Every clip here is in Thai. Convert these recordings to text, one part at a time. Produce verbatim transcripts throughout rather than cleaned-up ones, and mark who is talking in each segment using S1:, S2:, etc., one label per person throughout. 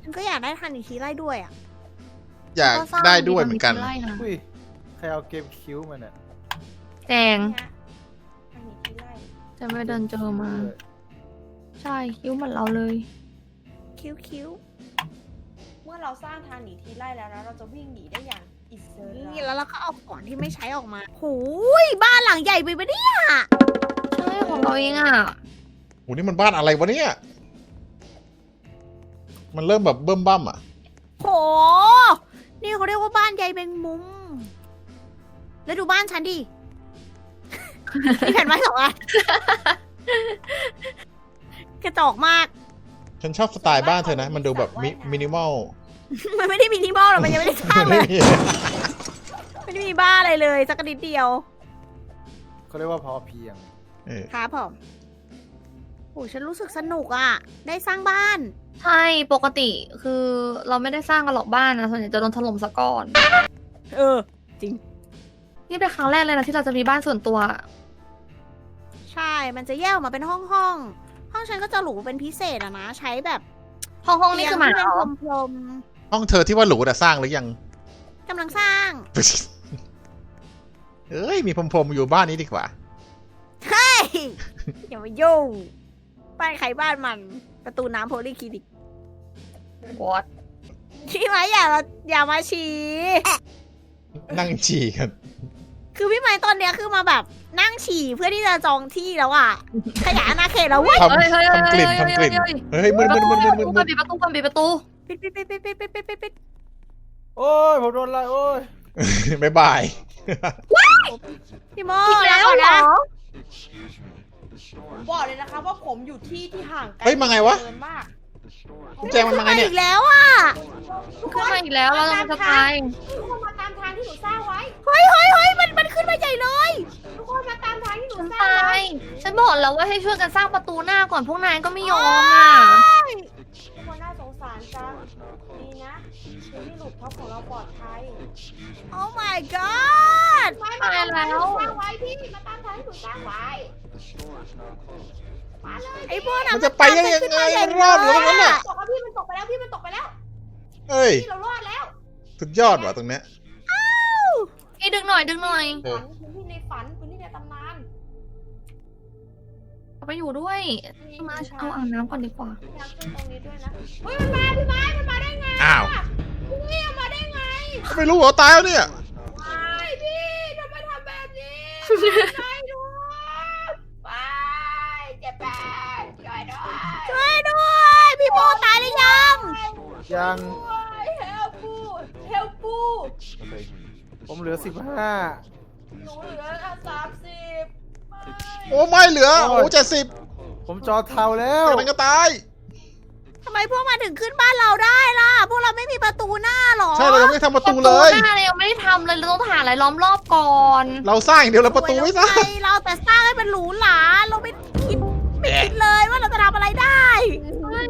S1: ฉันก็อยากได้ทันอีกทีไล่ด้วยอ่ะ
S2: อยากได้ด้วยเหมือนกัน
S3: ไล่นะ
S4: อุ้ยใครเอาเกมคิ้วมันอ่ะ
S3: แจง
S1: เนี่ยทันอีกทีไล่
S3: จะไม่เดินเจอมา ใช่คิ้วเหมือนเราเลย
S1: คิ้วคิ้ว
S5: เมื่อเราสร้างทางหนีทีไล่แล้วนะเราจะวิ่งหนีได้อย่างอิสระ
S1: นี่แล้วเราก็เอาของที่ไม่ใช้ออกมาหูยบ้านหลังใหญ่ไปปะเนี่ย
S3: ใช่ของเราเองอ่ะ
S2: โหนี่มันบ้านอะไรวะเนี่ย มันเริ่มแบบเบิ่มบั่มอ่ะ
S1: โห นี่เขาเรียกว่าบ้านใยแมงมุม แล้วดูบ้านฉันดิ มีแผ่นไม้สองอัน กระจอกมาก
S2: ฉันชอบสไตล์บ้านเธอนะ มันดูแบบมิมินิมอล
S1: มันไม่ได้มินิมอลหรอกมันยังไม่ได้สร้างเลย ไม่ได้มีบ้านอะไรเลยสักนิดเดียว
S4: เขาเรียกว่าพอเพียง
S2: เออ
S1: ครับผมโอ้ฉันรู้สึกสนุกอ่ะ ได้สร้างบ้าน
S3: ใช่ปกติคือเราไม่ได้สร้างกันหรอกบ้านนะส่วนใหญ่จะโดนถล่มซะก่อน
S1: เออ
S3: นี่เป็นครั้งแรกเลยนะที่เราจะมีบ้านส่วนตัว
S1: ใช่ มันจะแยกออกมาเป็นห้องห้องๆห้องฉันก็จะหรูเป็นพิเศษอะนะ ใช้แบบ
S3: ห้องห้องนี่คือหมา
S1: เตียง
S3: เหร
S1: ที่
S3: อ
S1: เป็นพรม
S2: ห้องเธอที่ว่าหรูแต่สร้างหรือยัง
S1: ๆกำลังสร้าง
S2: เอ้ยมีพรมๆอยู่บ้านนี้ดีกว่า
S1: เฮ้ย อย่ามายุ่ง บ้านใครบ้านมัน ประตูน้ำโพลีคลินิก
S3: วอด
S1: พี่ไม้อย่ามาอย่ามาฉี่
S2: นั่งฉี่กัน
S1: คือพี่ไม้ตอนเนี้ยคือมาแบบนั่งฉี่เพื่อที่จะจองที่แล้วอ่ะ ขยายอาณาเขตแล้วเว้ย
S2: ทำทำกลิ่นทำกลิ่น เฮ้ยมึนมึนมึนมึนมึนมึน
S3: ปิดประตูก่อนปิดประตู
S1: ปิดปิดปิดปิดปิดปิดปิดปิดปิด
S4: โอ้ยผมโดนไล่โอ้ย
S2: บ๊ายบาย
S1: พี่โม
S3: อีกแล้ว
S1: ก่อน
S3: เหร
S1: นะ
S3: อ
S5: ผมบอกเลยนะคะว่าผมอยู่ที่ที่ห่างไกล
S2: เฮ้ยมาไงวะ
S5: เกินมาก
S2: คุณแจงมันมาไงเนี่ย
S1: อีกแล้วอ่ะ
S3: ขึ้นมาอีกแล้วเราจะตาย
S5: ทุกคนมาตามทางที่หนูสร้างไว้
S1: เฮ้ยเฮ้ยเฮ้ยมันมันขึ้นมาใหญ่เลย
S5: ทุกคนมาตามทางที่หนู
S3: ฉัน
S5: สร้าง
S3: ตา
S5: ไว้
S3: ย ฉันบอกแล้วว่าให้ช่วยกันสร้างประตูหน้าก่อนพวกนายก็ไม่ยอมอ่ะ
S5: ทุกคนน่าสงสารจังดีนะคือที่หลุดท็อปของเราปลอดภัย
S1: โอ้ my god
S5: ไม่มาตามทางที่หนูสร้างไว้พี่มาตามทางที่หนูสร้างไว้มาเลย
S1: ไอ้พวกนั้น
S2: มันจะไปได้ยังไงมันรอดเหรอตรงนั้นน่ะ
S5: ตกแล้วพี่มันตกไปแล้วพี่มันตกไปแล้ว
S2: เอ้ย
S5: พี่เรารอดแล้ว
S2: สุดยอดว่ะตรงเนี้ย
S3: อีดึงหน่อยดึงหน่อย
S2: เออ
S5: ฝันพื้นที่ในฝันพื้นที่ในตำนาน
S3: เอาไปอยู่ด้วยมาเอาอ่างน้ำก่อนดีกว่า
S5: อยากขึ้นตรงนี้ด้วยนะเฮ้ยมันมาพี่ไม้มันมาได้ไง
S2: อ้าว
S5: พี่มันมาได้ไง
S2: ไม่รู้เหรอตายแล้วเนี่ย
S5: ไม่พี่ทำไมทำแบบนี้ไม่ด้วยไปเจ็บแปดช่วยด้วย
S1: ช่วยด้วย พี่โมตายหรือยัง
S4: ยัง
S5: เฮลปูเฮลปู
S4: ผมเหลือสิบห้า
S5: หนูเหลือสามสิบ
S2: โอ้ไม่เหลือ โอ้เจ็ดสิบ
S4: ผมจอเทาแล้ว
S2: กำลังจะตาย
S1: ทำไมพวกมันถึงขึ้นบ้านเราได้ล่ะ พวกเราไม่มีประตูหน้าหรอ
S2: ใช่เรายังไม่ทำประตูเลย
S3: หน้าเรายังไม่ได้ทำเลยเราต้องหาอะไรล้อมรอบก่อน
S2: เราสร้างอย่างเดียวเราประตูไม่สร้าง
S1: โอ้ยเราแต่สร้างให้มันหรูหราเราไม่คิดไม่คิดเลยว่าเราจะทำอะไรได้
S3: เฮ้ย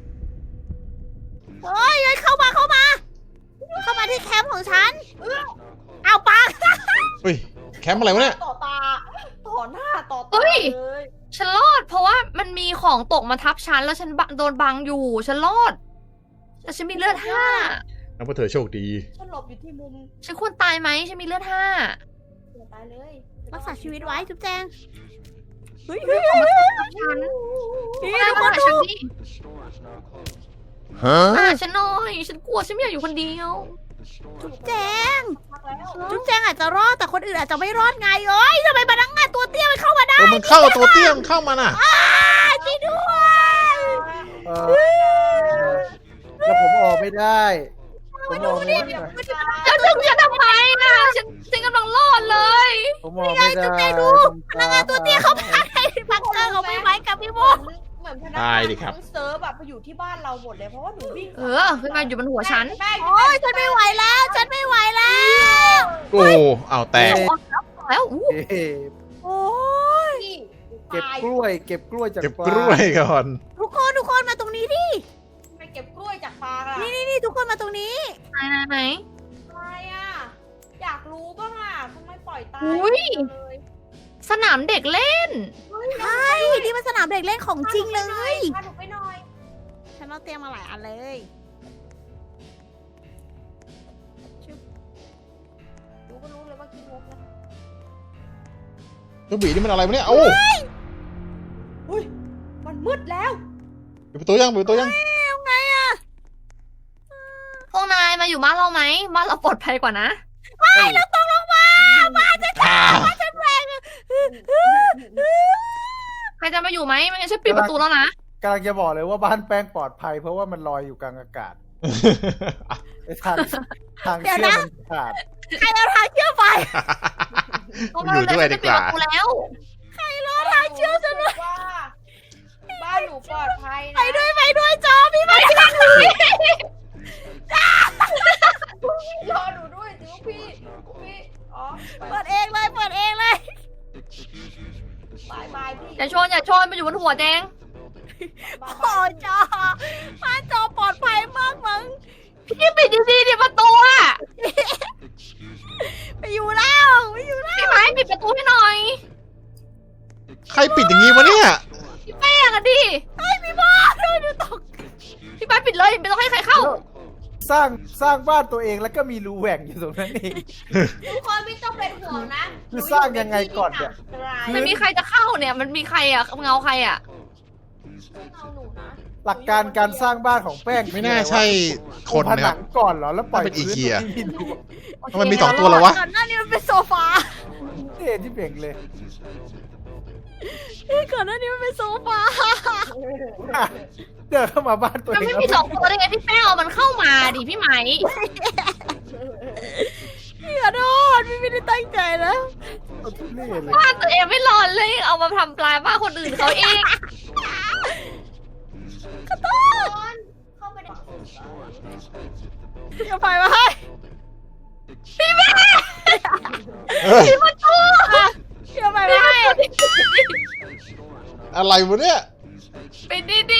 S1: เฮ้ยเฮ้ยเข้ามาเข้ามา เข้ามาที่แคมป์ของฉันเอาปัง
S2: เฮ้ยแคมป์อะไรวะเนี่ย
S5: ต่อตาต่อหน้าต่อตา
S3: เฮ้ย
S5: เลย
S3: ฉันรอด เพราะว่ามันมีของตกมาทับฉันแล้วฉันบะโดนบังอยู่ ฉันรอด แต่ฉันมีเลือดห้า
S2: นับว่าเธอโชคดี
S5: ฉันหลบอยู่ที่มุม
S3: ฉันควรตายไหมฉันมีเลือดห้า
S5: เสียตายเลย
S1: รักษาชีวิตไว้จุ๊บแจงเฮ้ย
S3: เฮ้
S1: เฮ้
S3: ย
S1: ย
S3: ของ
S1: เฮ้
S3: มาย ทับฉัน
S1: นี่
S3: มา
S1: ทุกคน
S3: หา
S1: ดู
S3: ฉันดิ
S2: ฮะ
S3: มาหาฉันหน่อย ฉันกลัวฉันไม่อยากอยู่คนเดียว
S1: จุ๊บแจง
S5: พักแล้ว
S1: จุ๊บแจงอาจจะรอดแต่คนอื่นอาจจะไม่รอดไงเอ้ยทำไมพนักงานตัวเตี้ยมันเข้ามาได้
S2: เออมันเข้าตัวเตี้ยมนเข้ามาน่ะ
S1: อ้าช่วยด้วย
S4: เออแล้วผมออกไม่ได้ ผมออกไม่ได้
S3: แล้วดึงฉันทำไมอ่ะฉันฉันกำลังรอดเลย
S4: ผมออกไม่ได้
S1: พนักงานตัวเตี้ยเข้ามาในพักเกอร์ของพี่ไม้กับพี่โม
S5: เหมือนพนัก
S2: ตาย
S5: งาน
S2: ดิครับ
S5: ทั้งเซิร์ฟแบบไปอยู่ที่บ้านเราหมดเลยเพราะว่าหนูวิ่ง
S3: เออขึ้นมาอยู่บนหัวฉัน
S5: แม่
S1: โอ้ยฉันไม่ไหวแล้ว ฉันไม่ไหวแล้ว
S2: โอ้เอาแตก
S3: แล้วอู้
S4: เก็บ
S1: โอ้ย
S5: พี่
S4: เก็บกล้วย เก็บกล้วยจาก
S2: เก็บ
S4: ฟาก
S2: ล้วยก่อน
S1: ทุกคนทุกคนมาตรงนี้ดิ
S5: ไปเก็บกล้วยจากฟางอะ
S1: นี่นี่นี่ทุกคนมาตรงนี้
S3: ไหนไหนไหน
S5: อะไรอะอยากรู้บ้างอะทำไมปล่อยตาย
S3: อุ๊ย
S5: เลย
S3: สนามเด็กเล่น
S1: ใช่นี่มันสนามเด็กเล่นของจริงเลย
S5: พาหนูไปหน่อย
S1: ฉันเอาเตรียมมาหลายอันเลย
S5: ดูก็รู้เลยว่ากินงกนะ
S2: เจ้าบีนี่มันอะไรวะเนี่ยโอ้
S5: อุ้ยมันมืดแล้ว
S2: ปิดประตูยังปิดประตูยัง
S1: เอาไงอะ
S3: พวกนายมาอยู่บ้านเราไหมบ้านเราปลอดภัยกว่านะ
S4: ไม่
S1: เราตกลงมาบ้านฉัน
S2: อ่า
S1: บ้านฉันแรง
S3: ใครจะมาอยู่ไหมไม่งั้นฉันปิดประตูแล้วนะ
S4: กำลังจะบอกเลยว่าบ้านแป้งปลอดภัย เพราะว่ามันลอยอยู่กลางอากาศไอ้ทางทางเชื่อมมันขาด
S1: ใครเอาทางเชื่อมไป
S2: อยู่ด้วยดีกว่า
S3: ฉันจะปิดประตูแล้ว
S1: เอาทางเชื่อมฉันด้วย
S5: ว่าบ้านหนูปลอดภัยนะ
S1: ไปด้วยไปด้วยจอพี่ไปด้วย
S5: รอหนูด้วยจิ๋วพี่พี่อ๋อไป
S1: เปิดเองเลยเปิดเองเลย
S5: บายบายพี่
S3: อย่าชนอย่าชนมาอยู่บนหัวแดง
S5: บาย
S1: โอ้
S5: บาย
S1: จอบ้านจอปลอดภัยมากมั้ง
S3: พี่ปิดดีๆดิประตูอะ
S1: ไปอยู่แล้วไปอยู่แล้ว
S3: พี่ไม้ปิดประตูให้หน่อย
S2: ใครปิดอย่างงี้วะเนี่ย
S3: พี่แป้งอะดิ
S1: ไอ้ยพี่บอสดูดูตก
S3: พี่ไม้ปิดเลยไม่ต้องให้ใครเข้า
S4: สร้างสร้างบ้านตัวเองแล้วก็มีรูแหว่งอยู่ตรงนั้นเอง
S5: ทุกคนไม่ต้องเป็นห่วงนะ
S4: คือสร้างยังไงก่อนเนี่ย
S3: มันมีใครจะเข้าเนี่ย มันมีใครอะเงาใครอะ
S5: ไม่เอาหนูนะ
S4: หลักการการสร้างบ้านของแป้ง
S2: ไม่น่าใช่ค
S4: ปู
S2: น
S4: ผ
S2: นะค
S4: นั
S2: รับ
S4: งก่อนเหรอแล้วปล่อย
S2: น่าเป็นอี
S4: พื้น
S2: เกีย
S4: ตรงที่รู
S2: มันมีสองตัวแล้ววะ
S1: ก่อนหน้านี้มันเป็นโซฟา
S4: เท่ที่เป่งเลย
S1: ก่อนหน้านี้มันเป็นโซฟา
S4: เดินเข้ามาบ้านตัว
S3: มัน
S4: เอง
S3: ไม่มีสองตัวได้ไงพี่แป้งเอามันเข้ามาดิพี่ไหม
S1: พี่ขอโทษพี่ไม่ได้ตั้งใจนะ
S4: เอาทุเรศเลย
S3: บ้านตัวเองไม่รอดเลย เอามาทำปลายบ้านคนอื่นเขาเอง
S1: ขอโทษ
S5: เข้าไปใน
S1: อย่าไปมาให้
S2: เอ้ย
S1: อย่าไปมาให้
S2: อะไรวะเนี่ย
S3: ปิดดี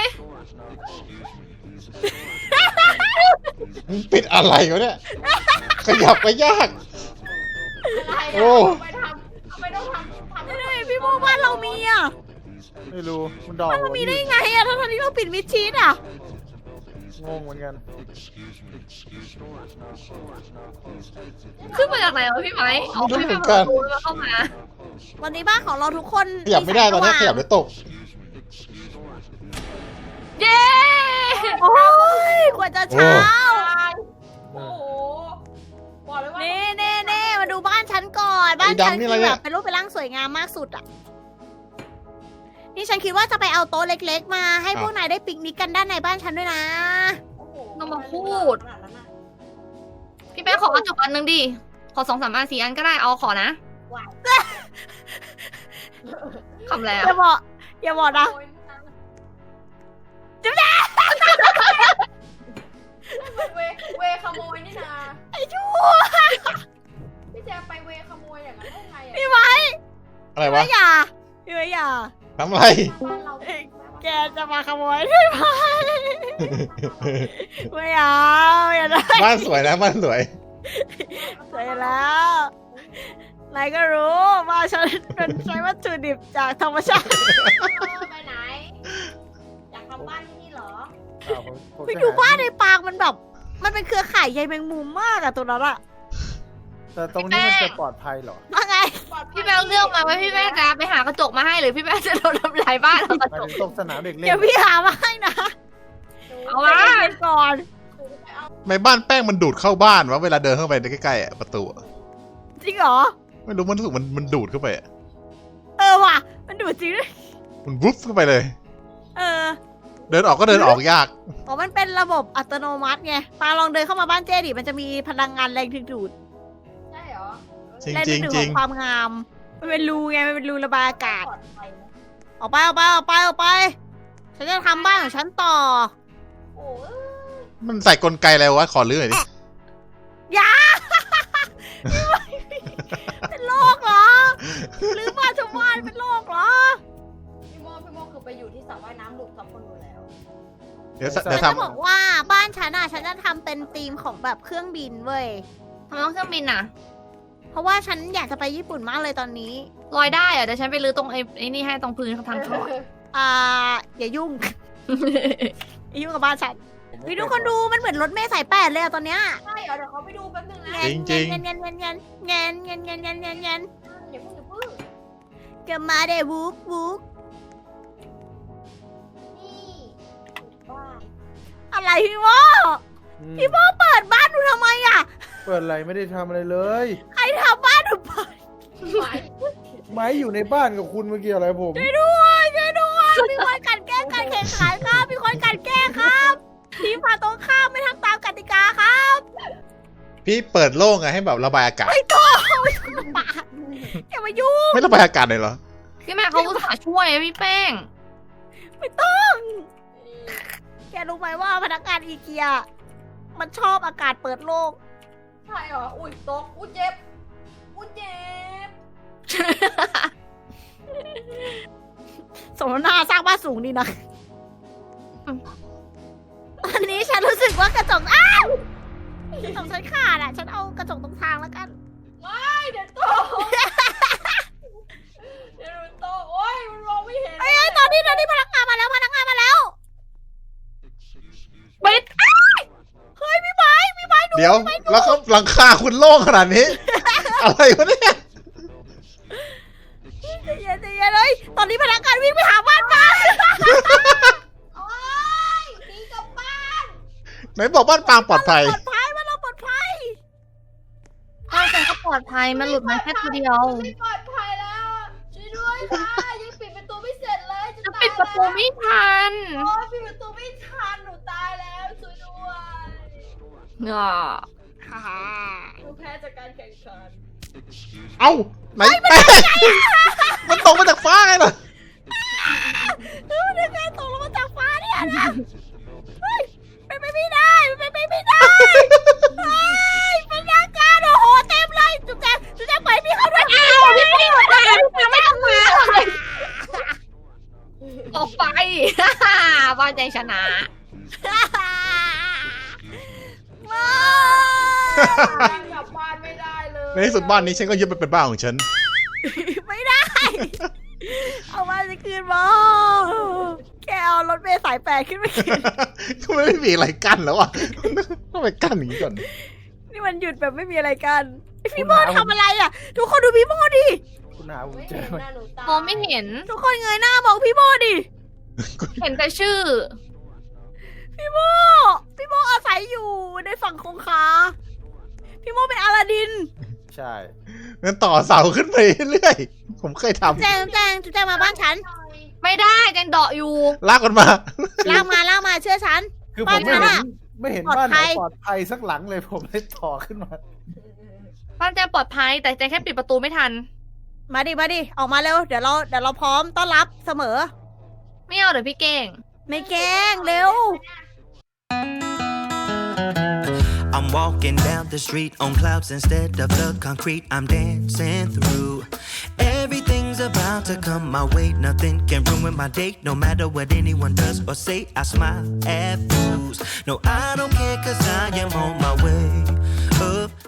S2: มึงปิดอะไรวะเนี่ย ขยับไปยาก
S5: อะไร
S2: โอ้
S5: อะไปทำไม่ต้องทำทำ
S1: ไม่ได้พี่โมบ้านเรามีอ่ะ
S4: ไม่รู้มันดอก
S1: บ้านเรามีได้ไงอ่ะทั้งๆที่เราปิดมิดชิดอ่ะ
S4: งงเหมือนกัน
S3: ๆขึ้นมาจากไหนวะพี่ไหมเอา
S2: ไม่
S3: ไม่
S2: รู้
S3: ไป
S2: เหมื
S3: เปิ
S2: อนกัน
S3: ดประตูแล้วเข้ามา
S1: วันนี้บ้านของเราทุกคน
S2: ขยับไม่ได้ตอนนี้ขยับ
S1: เล
S2: แล้วตก
S3: เย้
S1: โอ้ยกว่าจะเช้า
S5: โอ้โหบอกเลยว่า
S1: เน่เน่เน่มาดูบ้านฉันก่อน บ้าน
S2: ไอ้ดำ
S1: ฉัน
S2: นี่
S1: คือ
S2: อะไรเนี่
S1: แบ
S2: ย
S1: บเป็นรูปเป็นร่างสวยงามมากสุดอ่ะ นี่ฉันคิดว่าจะไปเอาโต๊ะเล็กๆ มาให้พวกนายได้ปิกนิกกันด้านในบ้านฉันด้วยนะ
S5: โอ้โห
S3: ต้องมาพูด
S5: ขนาดนั้นอะ
S3: พี่แป้งขอกระจกอันหนึงดิ ขอสองสามอันสี่อันก็ได้ เอาขอนะ
S5: ว้าย
S3: คำแล้ว
S1: อย่าบอกอย่าบอกนะ
S5: โอ้ยนะ
S1: จุ๊บแจ๊
S5: มันเวเวขโมยนี่นะ
S1: ไอ้ชั่ว
S5: พี่แจมไปเวขโมยอย่างนั้นได้ไงอะ
S1: พี่ไว้
S2: อะไร
S1: พี่
S2: วะ
S1: ไว้อย่าพี่ไว้อย่า
S2: ทำอะไร
S5: บ้านเรา
S1: แกจะมาขโมยใช่ไหมไม่เอาอย่าได้
S2: บ้านสวยนะบ้านสวย
S1: เสร็จแล้วนายก็รู้ว่าฉันเป็นใช้วัตถุดิบจากธรรมชาติ
S5: เออไปไหน อยากทำบ้านที่นี่เหรอ
S4: อ้าวผมผม
S1: ไป
S4: จะ
S1: ดู
S4: ห
S1: บ้านในปางมันแบบ มันเป็นเครือข่ายใยแมงมุมมากอะตัวนั้นอะ
S4: แต่ตรงนี้มันจะปลอดภัยเหรอ
S1: ว่าไง
S5: ปลอดภัย
S3: พี่แป้งเลือกมาว่าพี่แป้งจะไปหากระจกมาให้หรือพี่แป้งจะโดนทำลายบ้านเอากระ
S4: หมาย
S3: จก
S4: ถึงตรงสนามเด็กเล่น
S1: เดี๋ยวพี่หามาให้นะ
S3: เอามา
S1: ใจเย็นๆก่อน
S5: หนูไปเอา
S2: ไม่บ้านแป้งมันดูดเข้าบ้านวะเวลาเดินเข้าไปใกล้ๆอะประตูอะ
S1: จริงเหรอ
S2: ไม่รู้มันรู้สึกมันมันดูดเข้าไปอะ
S1: เออว่ะ มันดูดจริงด้วย
S2: มันวุบเข้าไปเลย
S1: เออ
S2: เดินออกก็เดินออกยาก
S1: อ๋อมันเป็นระบบอัตโนมัติไงปาลองเดินเข้ามาบ้านเจดิมันจะมีพลังงานแรงดึงดูด
S5: ใช่เหรอ
S2: จริง
S1: แรง
S2: จ
S1: ดึ
S2: ริง
S1: งดูด
S2: จริ
S1: ของ งความงาม มันเป็นรูไง มันเป็นรูระบายอากาศ
S5: ปลอดภัยนะ
S1: ออกไปออกไปออกไปออกไป ฉันจะทำบ้านของฉันต่อ
S5: โอ้ย
S2: มันใส่กลไกอะไรวะขอรื้อหน่อยดิ
S1: อย่า เป็นโรคเหรอหรือบ้านชาวบ้านเป็นโรคเหรอ
S5: พี่โมพี่โมคือไปอยู่ที่สระว่ายน้ำลูกทับคนดูแล้ว
S2: เดี๋ยว
S1: ฉั
S2: เดี๋ย
S1: น
S2: ว
S1: จะ
S2: ทำ
S1: บอกว่าบ้านฉันอะฉันจะทำเป็นธีมของแบบเครื่องบินเว้ย
S3: ทำไมต้องเครื่องบินอ่ะ
S1: เพราะว่าฉันอยากจะไปญี่ปุ่นมากเลยตอนนี้
S3: ลอยได้เหรอเดี๋ยวฉันไปรื้อตรงไอ้ไอ้นี่ให้ตรงพื้นทางถอด
S1: อ่า อย่ายุ่ง อย่ายุ่งกับบ้านฉัน
S4: ผม
S1: วิทุกคนดูมันเหมือนรถเมล์สายแปดเลยอะตอนเนี้ย
S5: ใช่เหรอเดี๋ยวเขาไปดูแป๊บนึงนะ
S2: จริงจริง
S1: เงี้ยเงี้ยเงี้ยเงี้ยเงี้ยเงี้ยเงี้ยเงี้ยเงี้ยเงี้ย
S5: อย่าเพิ่งอย่าเพิ่ง
S1: เกิดมาเดวุกวุก
S5: นี่บ้าน
S1: อะไรพี่โม
S4: อืม
S1: พี่โมเปิดบ้านหนูทำไมอะ
S4: เปิดอะไรไม่ได้ทำอะไรเลย
S1: ใครทำบ้านหนูเปิด
S5: ไหว
S4: ไม้อยู่ในบ้านกับคุณเมื่อกี้อะไรผม
S1: ช่วยด้วยช่วยด้วยมีคนกลันแกล้งการแข่งขันครับมีคนกลันแกล้งครับทีมฝ่ายตรงข้ามไม่ทำตามกติกาครับ
S2: พี่เปิดโล่งไงให้แบบระบายอากาศ
S1: ไม่ต้องไม่ต้องปาดอย่ามายุ่ง
S2: ไม่ระบายอากาศเลยเหรอ
S3: พี่แม่เขาอุตส่าห์ช่วยอะพี่แป้ง
S1: ไม่ต้องแกรู้ไหมว่าพนักงานอีเกียมันชอบอากาศเปิดโล่ง
S5: ใช่เหรออุ้ยตกอุ้ยเจ็บอุ้ยเจ็บ
S1: สมนาสร้างบ้านสูงดีนะตอนนี้ฉันรู้สึกว่ากระจกอ้าวกระจกฉันขาดอ่ะ ฉันเอากระจกตรงทางแล้วกัน
S5: ไม่เดี๋ยวตกเดี๋ยวมันตกโอ้ยมันมองไม่เห็น
S1: เอ้ยตอนนี้ตอนนี้พนักงานมาแล้วพนักงานมาแล้ว
S3: ปิด
S1: เฮ้ยพี่ไม้พี่ไม้ดู
S2: เดี๋ยวแล้วเขาหลังคาคุณโล่งขนาดนี้ อะไรวะเนี่ย
S1: ใจเย็นใจเย็นเลยตอนนี้พนักงานวิ่งไปหาบ้านมา
S5: โอ้ยหนีกลับบ้าน
S2: ไหนบอกบ้านปางปลอดภัย
S1: ปลอดภัยมันเราปลอดภัย
S3: บ้านฉันก็ปลอดภัยมันหลุดมาแค่ตัวเดียว
S5: ไม่ปลอดภัยแล้วช่วยด้วยค่ะยังปิดประตูไม่เสร็จเลยจะ
S3: จะ
S5: ตาย
S3: ปิดประตูไม่ทัน
S5: โอ้ยปิดประตูไม่ทันหนูตายแล้วช่วยด้วย
S3: อ่า
S5: หนูแพ้จากการแข่งขัน
S2: เอ้าไหนแป้งมันตกมาจากฟ้าไงล่ะ
S1: เฮ้ยมันยังไงตกลงมาจากฟ้าเนี่ยนะเฮ้ยเป็นไปไม่ได้เป็นไปไม่ได้เฮ้ยพนักงานโอ้โหเต็มเลยจุ๊บแจงจุ๊บแจงไปพี่เข้าด้วยอ้าวพี่ไม่มาพี่ไม่ต้องมาเลย
S3: ออกไป บ้านใจชนะ
S1: มา
S5: กลับบ้านไม่ได้เลย
S2: ในที่สุดบ้านนี้ฉันก็ยึดไปเป็นบ้านของฉัน
S1: ไม่ได้ เอามาจะคืนมาแกเอารถเมล์สายแปดขึ้นไปกิน
S2: ก็ไม่มีอะไรกั้นแล้วอ่ะต้องไปกั้นอย่างนี้ก่อน
S1: นี่มันหยุดแบบไม่มีอะไรกันไอ้พี่โมทำอะไรอ่ะ ทุกคนดูพี่โมดิ
S4: คุณหาผม
S5: ไม่
S4: เจ
S5: เห็
S4: อน ไหม
S5: หน้าหนูตาย
S3: มองไม่เห็น
S1: ทุกคนเงยหน้ามองพี่โมดิ
S3: เห็นแต่ชื่อ
S1: พี่โมพี่โมอาศัยอยู่ในฝั่งคงคาพี่โมเป็นอลาดิน
S4: ใช่
S2: งั้นต่อเสาขึ้นไปเรื่อยผมเคยท
S1: แจงแจงจุ๊บแจงมาบ้านฉัน
S3: ไม่ได้แจงเดาะอยู่
S2: ำลากมันมา
S1: ลากมาลากมาเชื่อฉัน
S4: คือผมไม่
S1: บ้านฉัน
S4: เห็น
S1: อะ
S4: ไม่เห็น
S1: ปลอด
S4: บ้านไหน
S1: ภัย
S4: ปลอดภัยสักหลังเลยผมเลยต่อขึ้นมา
S3: บ้านแจงปลอดภัยแต่แจงแค่ปิดประตูไม่ทัน
S1: มาดิมาดิออกมาเร็วเดี๋ยวเราเดี๋ยวเราพร้อมต้อนรับเสมอ
S3: ไม่เอาเดี๋ยวพี่เก่ง
S1: ไม่แกล้งเร็ว
S6: I'm walking down the street on clouds instead of the concrete I'm dancing through. Everything's about to come my way. Nothing can ruin my day. No matter what anyone does or say, I smile at fools. No, I don't care cause I am on my way.